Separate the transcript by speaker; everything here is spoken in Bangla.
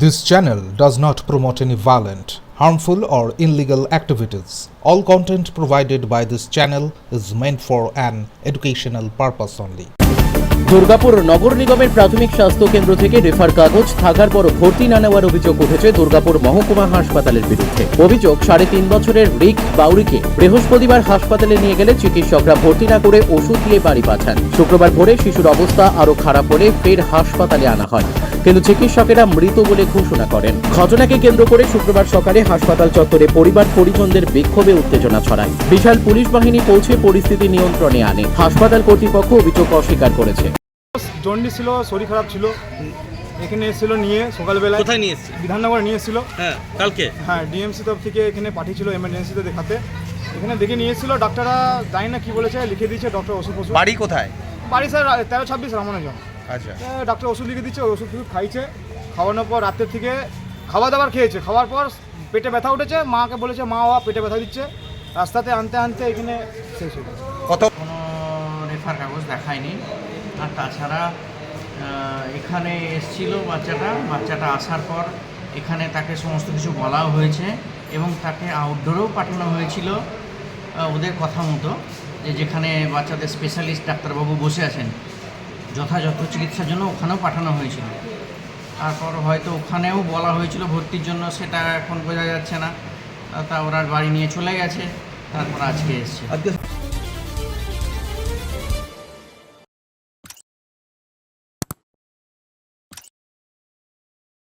Speaker 1: This channel does not promote any violent, harmful, or illegal activities. All content provided by this channel is meant for an educational purpose only.
Speaker 2: Durgapur নগর নিগমের প্রাথমিক স্বাস্থ্য কেন্দ্র থেকে রেফার কাগজ থাকার পর ভর্তি না নেওয়ার অভিযোগ উঠেছে দুর্গাপুর মহকুমা হাসপাতালের বিরুদ্ধে। অভিযোগ 3.5 বছরের রিক বাউরিকে বৃহস্পতিবার হাসপাতালে নিয়ে গেলে চিকিৎসকরা ভর্তি না করে ওষুধ দিয়ে বাড়ি পাঠান। শুক্রবার ভোরে শিশুর অবস্থা আরও খারাপ হলে ফের হাসপাতালে আনা হয়, কিন্তু চিকিৎসকেরা মৃত বলে ঘোষণা করেন। ঘটনাকে কেন্দ্র করে শুক্রবার সকালে হাসপাতাল চত্বরে পরিবার পরিজনদের বিক্ষোভে উত্তেজনা ছড়ায়। বিশাল পুলিশ বাহিনী পৌঁছে পরিস্থিতি নিয়ন্ত্রণে আনে। হাসপাতাল কর্তৃপক্ষ অভিযোগ অস্বীকার করেছে।
Speaker 3: জন্ডিস ছিল, শরীর খারাপ ছিল, এখানে এসেছিল নিয়ে সকালবেলা।
Speaker 4: কোথায় নিয়ে এসেছে?
Speaker 3: বিধাননগর নিয়ে এসেছিল।
Speaker 4: হ্যাঁ, কালকে।
Speaker 3: হ্যাঁ, ডিএমসি তরফ থেকে এখানে পাঠিয়েছিল এমার্জেন্সিতে দেখাতে। এখানে দেখে নিয়ে এসেছিল, ডাক্তাররা জানি না কি বলেছে, লিখে দিয়েছে ডক্টর ওষুধ।
Speaker 4: বাড়ি কোথায়?
Speaker 3: বাড়ি স্যার 1326 রামানুজম।
Speaker 4: আচ্ছা,
Speaker 3: ডাক্তার ওষুধ লিখে দিচ্ছে, ওষুধ খাইছে। খাওয়ানোর পর রাতের থেকে খাওয়া দাবার খেয়েছে। খাওয়ার পর পেটে ব্যথা উঠেছে, মাকে বলেছে মা পেটে ব্যথা দিচ্ছে। রাস্তাতে আনতে আনতে এখানে শেষ হয়ে গেছে।
Speaker 5: কোনো রেফার কাগজ দেখায়নি। আর তাছাড়া এখানে এসেছিল বাচ্চাটা আসার পর এখানে তাকে সমস্ত কিছু বলাও হয়েছে এবং তাকে আউটডোরেও পাঠানো হয়েছিল ওদের কথা মতো, যেখানে বাচ্চাদের স্পেশালিস্ট ডাক্তারবাবু বসে আছেন যথাযথ চিকিৎসার জন্য ওখানেও পাঠানো হয়েছিল। তারপর হয়তো ওখানেও বলা হয়েছিল ভর্তির জন্য, সেটা এখন বোঝা যাচ্ছে না। তা ওরা বাড়ি নিয়ে চলে গেছে, তারপর আজকে এসছে।